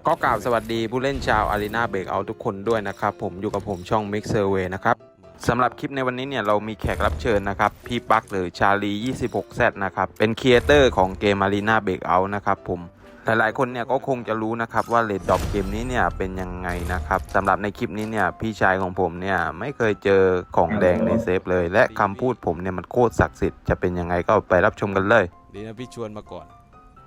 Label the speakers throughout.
Speaker 1: ก็กล่าวสวัสดีผู้เล่นชาว Arena Breakout ทุกคนด้วยนะครับผมอยู่กับผมช่อง Mix Survey นะครับสำหรับคลิปในวันนี้เนี่ยเรามีแขกรับเชิญนะครับพี่ปั๊กหรือชาลี 26Z นะครับเป็นครีเอเตอร์ของเกม Arena Breakout นะครับผมหลายๆคนเนี่ยก็คงจะรู้นะครับว่าเรทดรอปเกมนี้เนี่ยเป็นยังไงนะครับสำหรับในคลิปนี้เนี่ยพี่ชายของผมเนี่ยไม่เคยเจอของแดงในเซฟเลยและคำพูดผมเนี่ยมันโคตรศักดิ์สิทธิ์จะเป็นยังไงก็ไปรับชมกันเลยดีนะพี่ชวนมาก่อน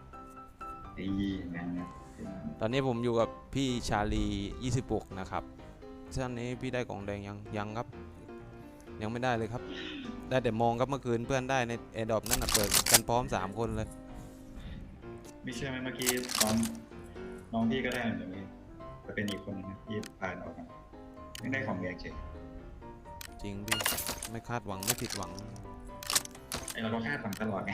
Speaker 1: ตอนนี้ผมอยู่กับพี่ชาลี26นะครับท่านนี้พี่ได้กล่องแดงยังครับยังไม่ได้เลยครับได้แต่มองครับเมื่อคืนเพื่อนได้ในแอร์ดรอปนั่นเปิดกันพร้อม3คนเลย
Speaker 2: ไม่เชื่อไหมเมื่อกี้น้องพี่ก็ได้เหมือนกันแต่เป็นอีกคนนึงนะที่ผ่านออกมาไม่ได้ของแดงเฉย
Speaker 1: จริงพี่ไม่คาดหวังไม่ผิดหวัง
Speaker 2: ไอเราก็คาดหวังตลอดไง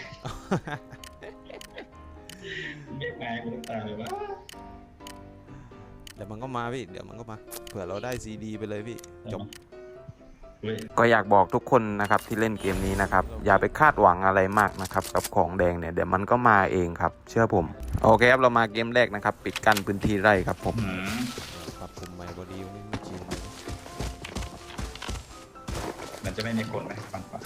Speaker 2: เรียกมาคุณตาเลยว่า
Speaker 1: เดี๋ยวมันก็มาพี่เดี๋ยวมันก็มาเผื่อเราได้ซีดีไปเลยพี่จบ
Speaker 2: ก็
Speaker 1: อยากบอกทุกคนนะครับที่เล่นเกมนี้นะครับอย่าไปคาดหวังอะไรมากนะครับกับของแดงเนี่ยเดี๋ยวมันก็มาเองครับเชื่อผมโอเคครับเรามาเกมแรกนะครับปิดกั้นพื้นที่ไร่ครับผมครับผมไม่บอดีไม่จริง
Speaker 2: มันจะไม่มีคนไหมฟังก่อน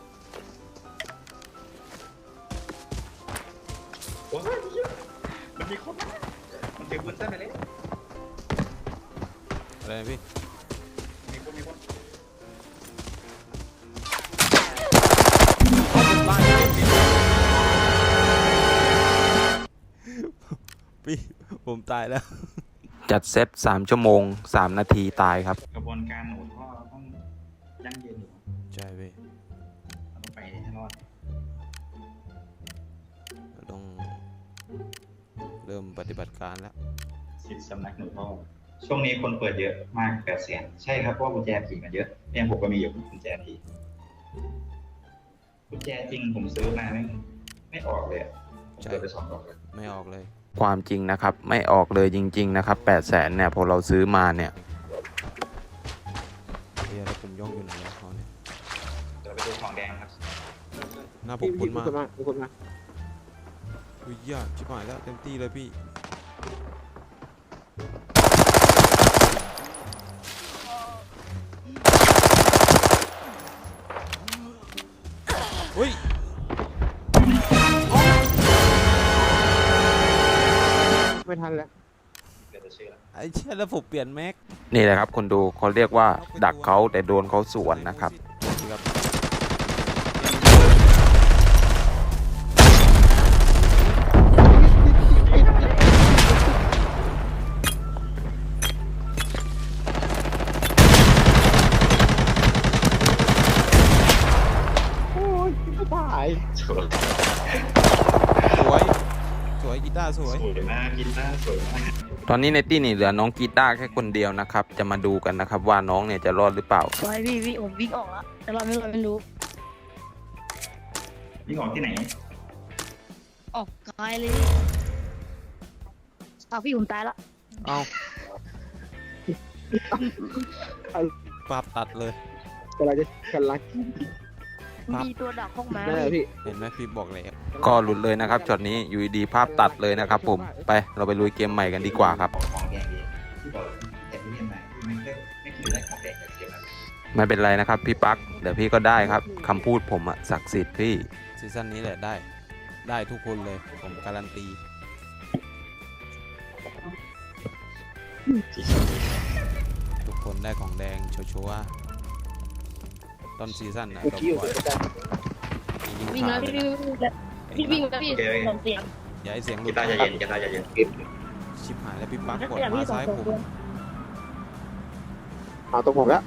Speaker 2: โอ้ยมันมีคนมันถือปืนสั้นไปเลย
Speaker 1: อะไรพี่
Speaker 2: มีคน
Speaker 1: พี่ผมตายแล้วจัดเซต3 ชั่วโมง 3 นาทีตายครับ
Speaker 2: กระบวนการหนูท่อต้องยั่งยืนอยู่
Speaker 1: ใช่พี่
Speaker 2: ต้องไปให้รอด
Speaker 1: ต้องเริ่มปฏิบัติการแล้ว
Speaker 2: สิทธิสำนักหนูท่อช่วงนี้คนเปิดเยอะมาก800,000ใช่ครับเพราะกุญแจผีมันเยอะเนี่ยผมก็มีอยู่กุญแจผีกุญแจจริงผมซื้อมาไม่ออกเลยผมเปิดไป2 ดอกเลย
Speaker 1: ไม่ออกเลยความจริงนะครับไม่ออกเลยจริงๆนะครับ800,000เนี่ยพอเราซื้อมาเนี่ยเดี๋ยวผมย่องอยู่ไหนแล้วเขาเนี่ย
Speaker 2: เดี๋ยวไปดูของแดงครับ
Speaker 1: หน้าผมคุ้นมากอุ้ยยากชิบหายแล้วเต็มที่เลยพี่อุ้ย
Speaker 3: ไม่ทันแล้ว
Speaker 1: ไอ้เชี่ยแล้วผมเปลี่ยนแม็กนี่แหละครับคนดูเขาเรียกว่าดักเขาแต่โดนเขาสวนนะครับ
Speaker 3: โอ้ยไม่ตาย
Speaker 2: สวย
Speaker 1: กีตาร์สวย
Speaker 2: มากกีตาร์สวยมาก
Speaker 1: ตอนนี้ในตี้นี่เหลือน้องกีตาร์แค่คนเดียวนะครับจะมาดูกันนะครับว่าน้องเนี่ยจะรอดหรือเปล่า
Speaker 4: ไว้พี่ผมวิ่งออกแล้วแต่เราไม่รู้
Speaker 2: วิ่งออกที่ไหน
Speaker 4: ออกไกลเลยเอาพี่ผมตายละ
Speaker 1: เอาภาพตัดเลย
Speaker 3: อะไรจะกันลัก
Speaker 4: มีตัวดักห้องม้า
Speaker 3: พี่
Speaker 1: เห็นไหมพี่บอกเลยก็หลุดเลยนะครับช็อตนี้อยู่ดีภาพตัดเลยนะครับผมไปเราไปลุยเกมใหม่กันดีกว่าครับไม่เป็นไรนะครับพี่ปั๊กเดี๋ยวพี่ก็ได้ครับคำพูดผมอะศักดิ์สิทธิ์พี่ซีซั่นนี้แหละได้ทุกคนเลยผมการันตีทุกคนได้ของแดงชัวร์ต้นซีซั่นนะ
Speaker 4: วิ่งแล้วพี่วิ่งแล้วพี่ส่งเสียง
Speaker 1: อย่าให้เสียงหลุด
Speaker 2: กีตาร์จะเย็น
Speaker 1: ชิบหายแล้วพี่ปั๊กกดมาซ้ายผม
Speaker 3: เอาตรงผมแล้ว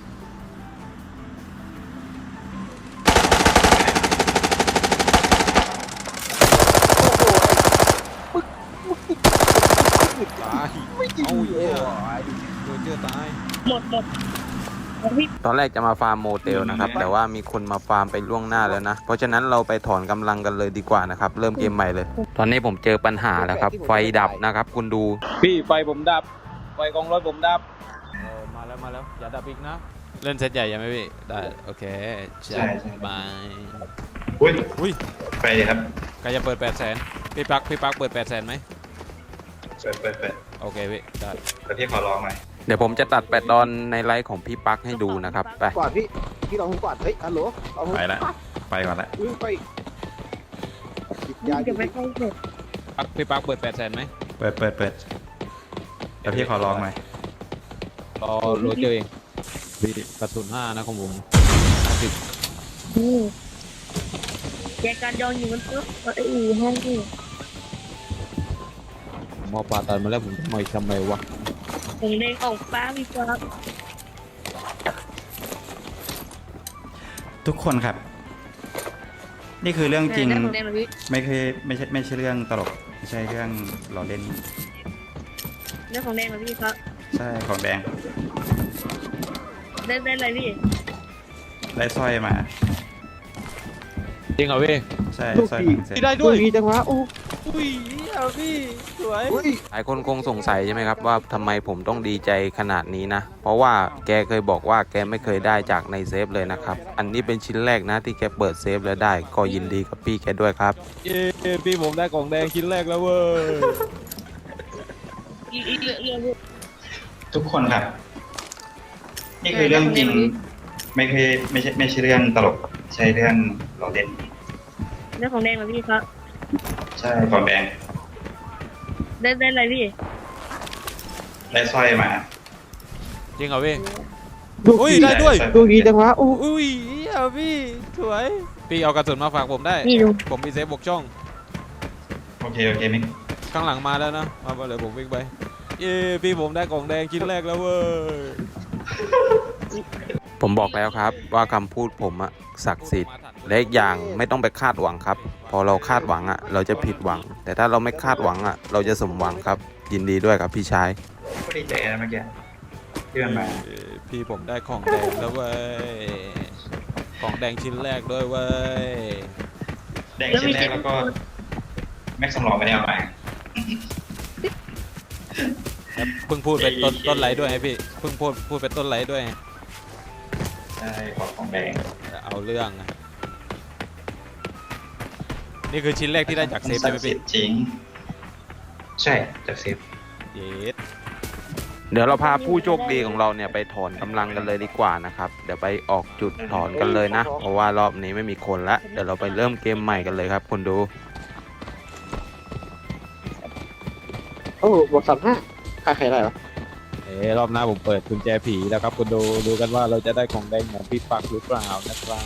Speaker 1: ตายเอาเยอะโดนเจอตาย
Speaker 4: หมด
Speaker 1: ตอนแรกจะมาฟาร์มโมเตลนะครับแต่ว่ามีคนมาฟาร์มไปล่วงหน้าแล้วนะเพราะฉะนั้นเราไปถอนกำลังกันเลยดีกว่านะครับเริ่มเกมใหม่เลยตอนนี้ผมเจอปัญหาแล้วครับไฟดับนะครับคุณดู
Speaker 5: พี่ไฟผมดับไฟกองรถผมดับ
Speaker 1: มาแล้วอย่าดับอีกนะเล่นเซตใหญ่ยังไหมพี่ได้โอเค
Speaker 2: ใช่
Speaker 1: ไป
Speaker 2: อุ้ยไปเลยครับ
Speaker 1: ใครจะเปิด800,000พี่ปักเปิด800,000ไหม
Speaker 2: เปิด
Speaker 1: โอเคพี่ได้
Speaker 2: แต่พี่ขอลองหน่อย
Speaker 1: เดี๋ยวผมจะตัดแปดตอนในไลฟ์ของพี่ปักให้ดูนะครับไป
Speaker 3: กอดพี่ลองผมกอดเฮ้ยฮัลโหลเอาผม
Speaker 2: ไปละไปก่อนละ
Speaker 3: ไปติดยา
Speaker 4: จะไปเข้าเสร็จ
Speaker 1: พี่ปักเปิด800,000ไหม
Speaker 2: เปิดแต่พี่ขอลองหน่อย
Speaker 1: รอโรเจอร์เองพี่กระสุน5นะของผม
Speaker 4: แจกันยองอยู่มันปุ๊บไอ้อู่ห้องนี่
Speaker 1: มอปลาตันมาแล้วผมทำไมวะ
Speaker 4: ผมเด้งออกฟ้าพี่ฟ้า
Speaker 2: ทุกคนครับ นี่คือเรื่องจริง
Speaker 4: ผมเด้งเลยพี่
Speaker 2: ไม่ใช่เรื่องตลกไม่ใช่เรื่องล้อเล่น
Speaker 4: เรื่องของแดงเลยพี่ครับ
Speaker 2: ใช่ของแดง
Speaker 4: ได้อะไรพี่
Speaker 2: ได้สร้อยมา
Speaker 1: จริงเหรอพี่
Speaker 2: ใช่
Speaker 3: ลูก
Speaker 2: สร้อย
Speaker 3: พี่
Speaker 2: ของเซน
Speaker 1: ได้ด้วย
Speaker 3: ดีจังวะโอ้
Speaker 1: อุ้ยพี่สวย
Speaker 3: อุ้ย
Speaker 1: หลายคนคงสงสัยใช่ไหมครับว่าทำไมผมต้องดีใจขนาดนี้นะ เพราะว่าแกเคยบอกว่าแกไม่เคยได้จากในเซฟเลยนะครับ อันนี้เป็นชิ้นแรกนะที่แกเปิดเซฟแล้วได้ก็ยินดีกับพี่แกด้วยครับ
Speaker 5: เย้พี่ผมได้กล่องแดงชิ้นแรกแล้วเว้ย
Speaker 4: อีเรื่อง
Speaker 2: ทุกคนครับ นี่คือเรื่องจริง ไม่ใช่เรื่องตลกใช่เรื่องล้อเล่น
Speaker 4: เรื่องของแดงเลยพี่ครับ
Speaker 2: ใช่ของแดง
Speaker 4: ได้อะไรพี่
Speaker 2: ได้สร้อยมา
Speaker 1: จริงเหรอพี่
Speaker 3: ลูก
Speaker 1: อุ้ย
Speaker 3: พี่
Speaker 1: ได้ด้วย
Speaker 2: สร้อย
Speaker 3: ลูกดีจังวะโอ้
Speaker 1: อุ้ยพี่สวยพี่เอากระสุนมาฝากผมได้
Speaker 4: นี่ดู
Speaker 1: ผมมีเซฟบกช่อง
Speaker 2: โอเคมิก
Speaker 1: ข้างหลังมาแล้วนะมาเลยผมวิ่งไปเย้พี่ผมได้กล่องแดงชิ้นแรกแล้วเว้ยผมบอกแล้วครับว่าคำพูดผมอะศักดิ์สิทธิ์และอีกอย่างไม่ต้องไปคาดหวังครับ พอเราคาดหวังอะเราจะผิดหวัง แต่ถ้าเราไม่คาดหวังอะเราจะสมหวังครับ ยินดีด้วยครับพี่ชาย
Speaker 2: ก็ดีใจนะเมื่อกี้เพื่อนมา
Speaker 1: พี่ผมได้ของแดงแล้วเว้ยของแดงชิ้นแรกด้วยเว้ย
Speaker 2: แดงชิ้นแรกแล้วก็แม็กซ์สำรองไม่ได้เอามา
Speaker 1: เพิ่งพูดเป็นต้นไลฟ์ด้วยไงพี่เพิ่งพูดเป็นต้นไลฟ์ด้วยไง
Speaker 2: ใช่ของแดง
Speaker 1: เอาเรื่องนะนี่คือชิ้นแรกที่ได้จากเซฟใช่ไหมพี่
Speaker 2: จริง ใช่จากเซฟ
Speaker 1: เยสเดี๋ยวเราพาผู้โชคดีของเราเนี่ยไปถอนกำลังกันเลยดีกว่านะครับเดี๋ยวไปออกจุดถอนกันเลยนะเพราะว่ารอบนี้ไม่มีคนละเดี๋ยวเราไปเริ่มเกมใหม่กันเลยครับคุณดู
Speaker 3: โอ้บอก35ใครได้วะ
Speaker 5: รอบหน้าผมเปิดกุญแจผีแล้วครับคุณดูกันว่าเราจะได้ของแดงเหมือนพี่ปักหรือเปล่านะครับ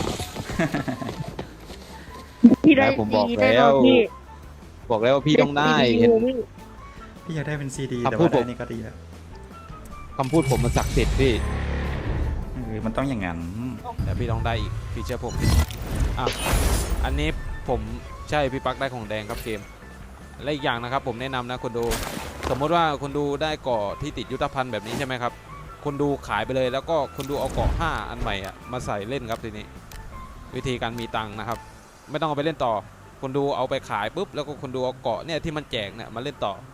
Speaker 4: พี่ได้
Speaker 5: ผมบอก
Speaker 4: พี่ได้
Speaker 5: แล้ว
Speaker 4: พี่
Speaker 5: บอกแล้วว่าพี่ต้องได้เห็น
Speaker 2: พี่อยากได้เป็นซีดี
Speaker 5: ครับ
Speaker 2: แต่
Speaker 5: พู
Speaker 2: ว่า
Speaker 5: ดผม
Speaker 2: ได้นี่ก็ดีแล้ว
Speaker 5: คำพูดผมมันศักดิ์สิทธิ์พี่
Speaker 2: มันต้องอย่างนั้น
Speaker 1: เดี๋ยวพี่ต้องได้อีกพี่เชื่อผมอ่ะอันนี้ผมใช่พี่ปักได้ของแดงครับเกมและอีกอย่างนะครับผมแนะนำนะคุณดูสมมติว่าคุณดูได้เกาะที่ติดยุทธภัณฑ์แบบนี้ใช่ไหมครับคุณดูขายไปเลยแล้วก็คุณดูเอาเกาะ5อันใหม่อ่ะมาใส่เล่นครับทีนี้วิธีการมีตังค์นะครับไม่ต้องเอาไปเล่นต่อคุณดูเอาไปขายปุ๊บแล้วก็คุณดูเอาเกาะเนี่ยที่มันแจกเนี่ยมาเล่นต่อ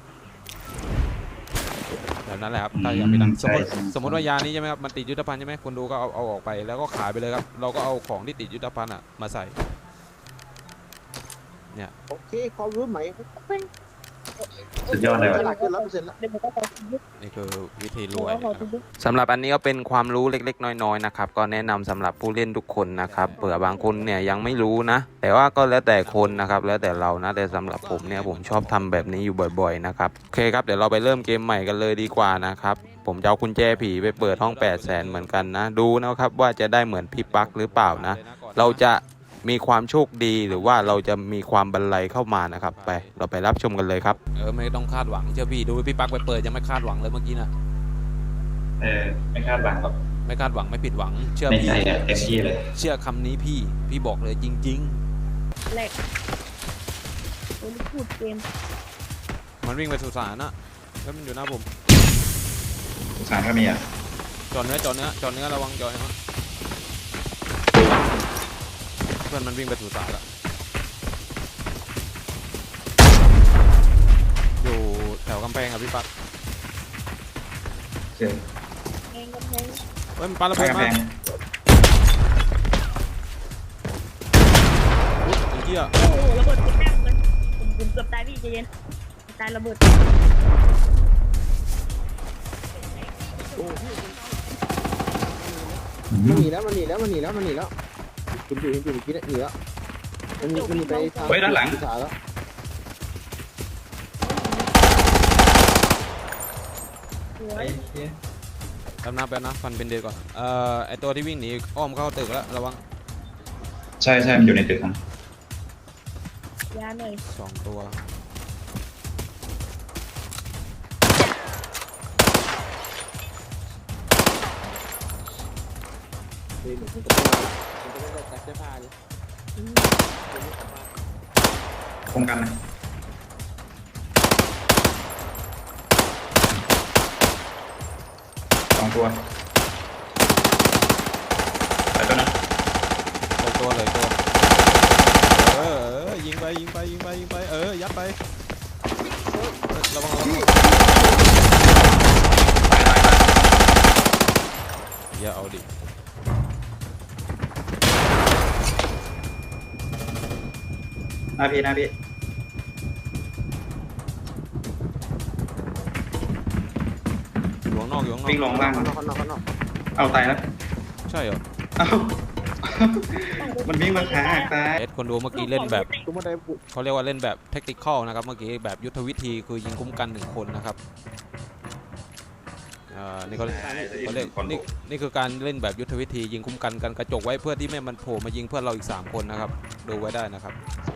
Speaker 1: แบบนั้นแหละครับถ้าอยากมีตังค์สมมติว่ายานี้ใช่ไหมครับมันติดยุทธภัณฑ์ใช่ไหมคุณดูก็เอาออกไปแล้วก็ขายไปเลยครับเราก็เอาของที่ติดยุทธภัณฑ์อ่ะมาใส่
Speaker 3: โอเคความรู้ใหม่
Speaker 2: สุดยอดเลย
Speaker 3: ฉ
Speaker 2: ว่ะ
Speaker 3: ลาดเกิน100%แล้ว
Speaker 4: เดี๋ยวผมก็ขอทุบ
Speaker 1: นี่คือวิธีร
Speaker 4: หั
Speaker 1: ว
Speaker 4: วย ขอทุบ
Speaker 1: สำหรับอันนี้ก็เป็นความรู้เล็กๆน้อยๆนะครับก็แนะนำสำหรับผู้เล่นทุกคนนะครับเผื่อบางคนเนี่ยยังไม่รู้นะ แต่ว่าก็แล้วแต่คนนะครับแล้วแต่เรานะแต่สำหรับผมเนี่ยผมชอบทำแบบนี้อยู่บ่อยๆนะครับโอเคครับเดี๋ยวเราไปเริ่มเกมใหม่กันเลยดีกว่านะครับผมจะเอากุญแจผีไปเปิดห้อง 800,000 เหมือนกันนะดูนะครับว่าจะได้เหมือนพี่ปักหรือเปล่านะเราจะมีความโชคดีหรือว่าเราจะมีความบันไลเข้ามานะครับไปเราไปรับชมกันเลยครับไม่ต้องคาดหวังเชื่อพี่ดูพี่ปักไปเปิดยังไม่คาดหวังเลยเมื่อกี้นะ
Speaker 2: ไม่คาดหวังหรอก
Speaker 1: ไม่คาดหวังไม่ผิดหวังเชื่อ
Speaker 2: ใน
Speaker 1: พี่
Speaker 2: ใจอะเต็มที่เลย
Speaker 1: เชื่อคำนี้พี่บอกเลยจริง
Speaker 4: แรกโอ้ยพูดเกม
Speaker 1: ๆ มันวิ่งไปสุสานนะแล้วมันอยู่หน้าผม
Speaker 2: สุสานก็มีอ่ะ
Speaker 1: จอดเนื้อระวังจอดนะเพื่อนมันวิ่งไปสุสานแล้วอยู่แถวกำแพงครับพี่ปัก
Speaker 2: เจอ
Speaker 4: แพงก็แพง
Speaker 1: เฮ้ยมันปาระ
Speaker 2: ไป
Speaker 1: เบิด
Speaker 2: กำ
Speaker 1: มา
Speaker 2: แพง
Speaker 1: อุ๊ยไอ้เหี้ย
Speaker 4: โอ้โหระเบิดเก็บแต้มเลยผมเกือบตายพี่ใจเย็นตายระเบิด
Speaker 3: มันหนีแล้วมันหนีแล้วมันหนีแล้วมันหนีแล้วคุณอยู่เมื่อกี้เนี่ยหนีแล้วมันหนีไปทาง
Speaker 2: เฮ้ยด้านหลัง
Speaker 3: สาแล้ว
Speaker 4: สว
Speaker 2: ไอ้
Speaker 4: ย
Speaker 2: เหี้ย
Speaker 5: แป๊บนะฟันเป็นเดือก่อนไอตัวที่วิ่งหนีอ้อมเข้าตึกแล้วระวัง
Speaker 2: ใช่มันอยู่ในตึกครับ
Speaker 4: ยาหน่อย
Speaker 5: 2 ตัว
Speaker 3: เฮ้ยมันจะไม่ได้แตกเสื้อผ้าเลย
Speaker 2: คงกันนะ2 ตัวแต่ตัวนั้น
Speaker 5: ตัวเลยตัวยิงไปยัดไประวังอย่าเอาดิ
Speaker 2: หน้าพี่
Speaker 5: อ
Speaker 2: อยู่
Speaker 5: ยู่ข้างนอก
Speaker 2: วิ่งลงล่าง
Speaker 3: ข้างนอกข้างนอกข้างนอก
Speaker 2: เอาตายแล้ว
Speaker 5: ใช่เหรอ
Speaker 2: เอามันวิ่งมาขาตาย
Speaker 5: คนดูเมื่อกี้เล่นแบบ
Speaker 3: ตุ้มมาได้บุ
Speaker 5: เขาเรียกว่าเล่นแบบแท็กติคอลนะครับเมื่อกี้แบบยุทธวิธีคือยิงคุ้มกัน1 คนนะครับนี่เขาเรียกนี่คือการเล่นแบบยุทธวิธียิงคุ้มกันกระจกไว้เพื่อที่ไม่มันโผล่มายิงเพื่อนเราอีก3 คนนะครับดูไว้ได้นะครับ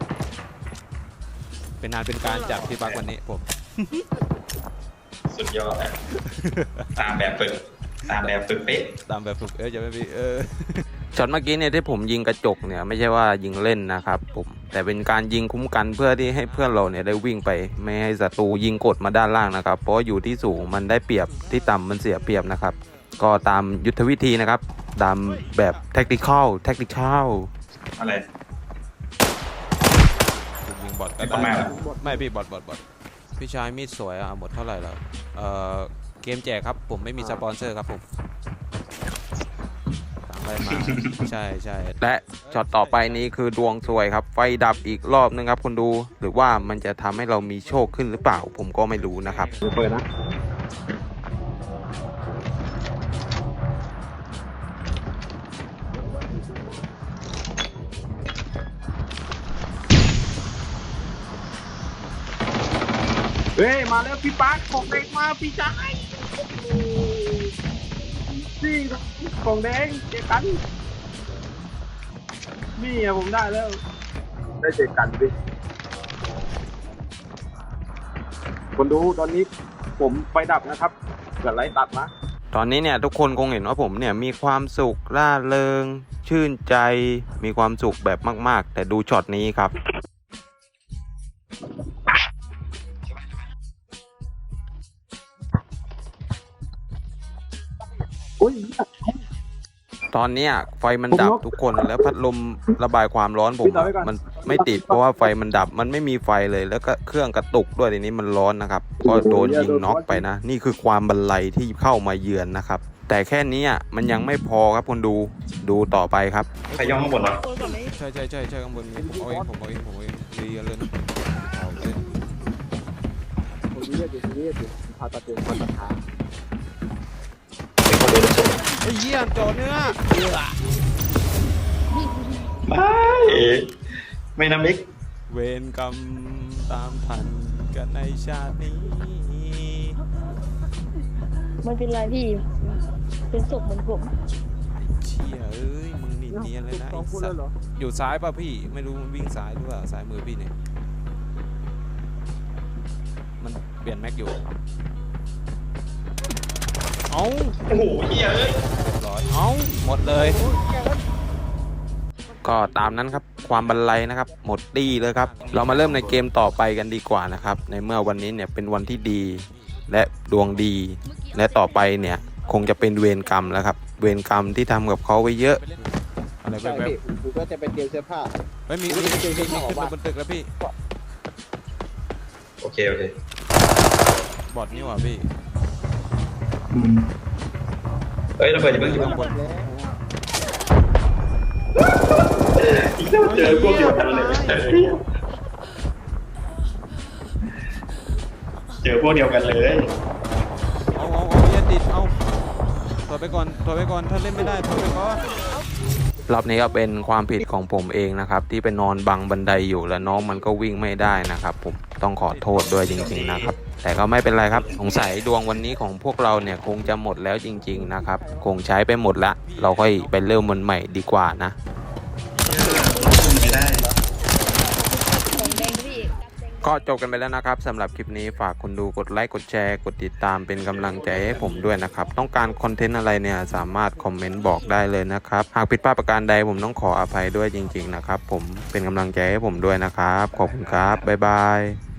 Speaker 5: เป็นการจากพี่บักวันนี้ผม
Speaker 2: สุดยอดตามแบบฝึกเป๊ะ
Speaker 5: ตามแบบฝึกจะไม่มี
Speaker 1: ช็อตเมื่อกี้เนี่ยที่ผมยิงกระจกเนี่ยไม่ใช่ว่ายิงเล่นนะครับผมแต่เป็นการยิงคุ้มกันเพื่อที่ให้เพื่อนเราเนี่ยได้วิ่งไปไม่ให้ศัตรูยิงกดมาด้านล่างนะครับเพราะอยู่ที่สูงมันได้เปรียบที่ต่ำมันเสียเปรียบนะครับก็ตามยุทธวิธีนะครับตามแบบแท็กติคอล
Speaker 2: อะไร
Speaker 5: ยิงบอทก็
Speaker 2: ประ
Speaker 5: ได้
Speaker 2: มาณ
Speaker 5: ไม่พี่บอทพี่ชายมีดสวยหมดเท่าไหร่แล้วเกมแจกครับผมไม่มีสปอนเซอร์ครับผมสั่งอะไรมา ใช่
Speaker 1: และช็อตต่อไปนี้คือดวงซวยครับไฟดับอีกรอบนึงครับคุณดูหรือว่ามันจะทำให้เรามีโชคขึ้นหรือเปล่าผมก็ไม่รู้นะครับ
Speaker 3: เปิดนะเฮ้ยมาแล้วพี่ปาร์คของแดงมาพี่ชายนี่ของแดงเจอกันนี่อะผมได้แล้วได้เจอกันดิคนดูตอนนี้ผมไฟดับนะครับเกิดไรตัดนะ
Speaker 1: ตอนนี้เนี่ยทุกคนคงเห็นว่าผมเนี่ยมีความสุขร่าเริงชื่นใจมีความสุขแบบมากๆแต่ดูช็อตนี้ครับตอนเนี้ยไฟมันดับทุกคนแล้วพัดลมระบายความร้อนผมมันไม่ติดเพราะว่าไฟมันดับมันไม่มีไฟเลยแล้วก็เครื่องกระตุกด้วยทีนี้มันร้อนนะครับก็โดนยิงน็อกไปนะนี่คือความบันไลที่เข้ามาเยือนนะครับแต่แค่นี้มันยังไม่พอครับคุณดูต่อไปครับ
Speaker 2: ใครย่องข้างบนวะ
Speaker 4: คนก่อนเลย
Speaker 5: ใช่ข้างบนมีผมเอาเองดีกันเลยนะเอาเลย
Speaker 3: ผมเรียกอยู่พาตัดเดือดพาตัดขา
Speaker 5: ไอ้เหี้ยจอเนื้อ
Speaker 2: ไม่น้ำมิก
Speaker 5: เวรกรรมตามทันกันในชาตินี้
Speaker 4: มันเป็นไรพี่เป็นศพเหมือนผม
Speaker 5: เชี่ยเอ้ยมึงหนีเนียนเลยนะไอ้สัตว์อยู่ซ้ายป่ะพี่ไม่รู้มันวิ่งซ้ายหรือเปล่าซ้ายมือพี่เนี่ยมันเปลี่ยนแม็กอยู่เอ้า
Speaker 2: โอ้โหเหี้ยเอ้ย
Speaker 5: เรียบร้อยเอ้าหมดเลย
Speaker 1: ก็ตามนั้นครับความบันไลนะครับหมดตี้เลยครับเรามาเริ่มในเกมต่อไปกันดีกว่านะครับในเมื่อวันนี้เนี่ยเป็นวันที่ดีและดวงดีและต่อไปเนี่ยคงจะเป็นเวรกรรมแล้วครับเวรกรรมที่ทำกับเขาไว้เยอะ
Speaker 5: อะไร
Speaker 3: ใช่
Speaker 5: แบบ
Speaker 3: พี่ผมก็จะไปเตรียมเสื้อผ้า
Speaker 5: ไม่มีขึ้นมาบนตึกแล้วพี่
Speaker 2: โอเค
Speaker 5: บอทนี่หว่าพี่
Speaker 2: เฮ้ยระเบิดอย่าเพิ่ง
Speaker 5: ข้างบน
Speaker 2: อีกแล้วเจอพวกเดียวกันเลยเจอพวกเดียวกันเลย
Speaker 5: เอาเหี้ยติดเอาถอยไปก่อนถอยไปก่อนถ้าเล่นไม่ได้ถอยไปก่อน
Speaker 1: รอบนี้ก็เป็นความผิดของผมเองนะครับที่ไปนอนบังบันไดอยู่แล้วน้องมันก็วิ่งไม่ได้นะครับผมต้องขอโทษด้วยจริงๆนะครับแต่ก็ไม่เป็นไรครับสงสัยดวงวันนี้ของพวกเราเนี่ยคงจะหมดแล้วจริงๆนะครับคงใช้ไปหมดละเราค่อยไปเริ่มมันใหม่ดีกว่านะ
Speaker 2: ไม่ได้
Speaker 4: ของแดงพี่
Speaker 1: ก็จบกันไปแล้วนะครับสำหรับคลิปนี้ฝากคุณดูกดไลค์กดแชร์กดติดตามเป็นกำลังใจให้ผมด้วยนะครับต้องการคอนเทนต์อะไรเนี่ยสามารถคอมเมนต์บอกได้เลยนะครับหากผิดพลาดประการใดผมต้องขออภัยด้วยจริงๆนะครับผมเป็นกำลังใจให้ผมด้วยนะครับขอบคุณครับบ๊ายบาย